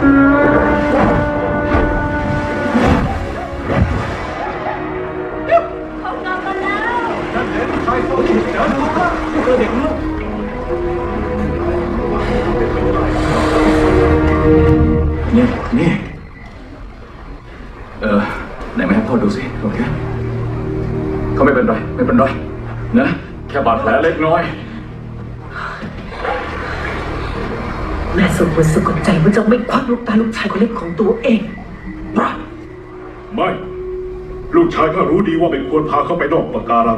เขากลับมาแล้วนั่นเองใครเขาถูกเจอลูกละเจอเด็กลูกนี่ไหนมาให้พ่อดูสิโอเคเขาไม่เป็นไรนะแค่บาดแผลเล็กน้อยแม่สมควรสะกดใจว่าจะไม่ควักลูกตาลูกชายคนเล็กของตัวเองไม่ลูกชายข้ารู้ดีว่าไม่ควรพาเขาไปนอกปะการัง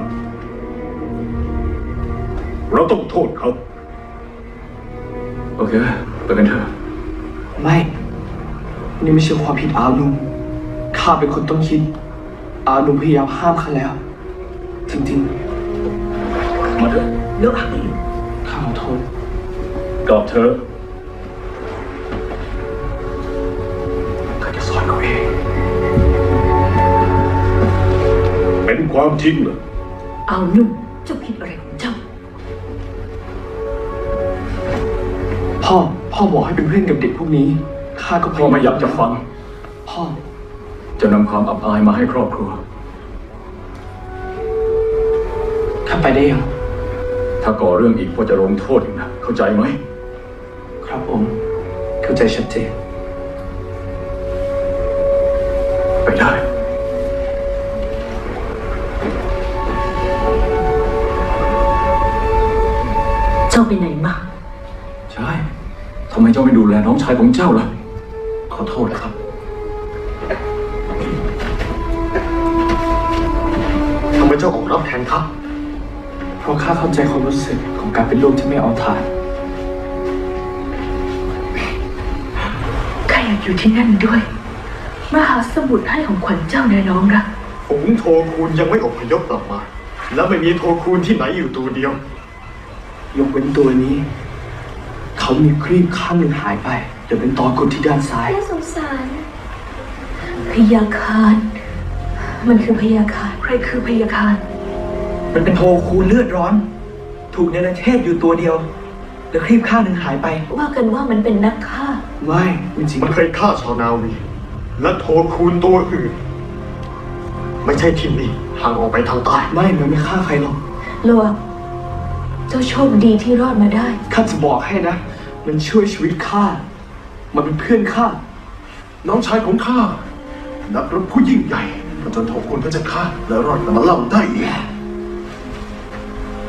เราต้องโทษเขาโอเคไปกันเถอะไม่นี่ไม่ใช่ความผิดอาลุงข้าเป็นคนต้องคิดอาลุงพยายามห้ามข้าแล้วจริงๆมาเถอะเลิกหักข้าขอโทษกลับเถอะข้าจะสอนเขาเองเป็นความจริงเหรอเอานุ่มเจ้าคิดอะไรของเจ้าพ่อบอกให้เป็นเพื่อนกับเด็กพวกนี้ข้าก็พ่อไม่อยากจะฟังพ่อจะนำความอับอายมาให้ครอบครัวข้าไปได้ยังถ้าก่อเรื่องอีกพ่อจะลงโทษอีกนะเข้าใจไหมครับผมเข้าใจชัดเจนไปได้เจ้าไปไหนมาใช่ทำไมเจ้าไม่ดูแลน้องชายของเจ้าล่ะขอโทษนะครับทำไมเจ้าออกรับแทนข้าเพราะข้าเข้าใจความรู้สึกของการเป็นลูกที่ไม่เอาทานข้าอยากอยู่ที่นั่นด้วยมหาสมุทรให้ของขวัญเจ้าแน่น้องรักฝูงโทคูนยังไม่อพยพกลับมาและไม่มีโทคูนที่ไหนอยู่ตัวเดียวยกเว้นตัวนี้เขามีครีบข้างหนึ่งหายไปเดี๋ยวเป็นตอกดที่ด้านซ้ายน่าสงสารพยาคารมันคือพยาคารใครคือพยาคารมันเป็นโทคูนเลือดร้อนถูกเนรเทศอยู่ตัวเดียวแล้วครีบข้างหนึ่งหายไปว่ากันว่ามันเป็นนักฆ่าไม่จริงมันเคยฆ่าชาวนาวีและโทคูนตัวอื่นไม่ใช่ที่นี่ห่างออกไปทางใต้ไม่มันไม่ฆ่าใครหรอกโลวเจ้าโชคดีที่รอดมาได้ข้าจะบอกให้นะมันช่วยชีวิตข้ามันเป็นเพื่อนข้าน้องชายของข้านักรบผู้ยิ่งใหญ่จนโทคูนก็จะฆ่าและรอดมาเล่าได้อีก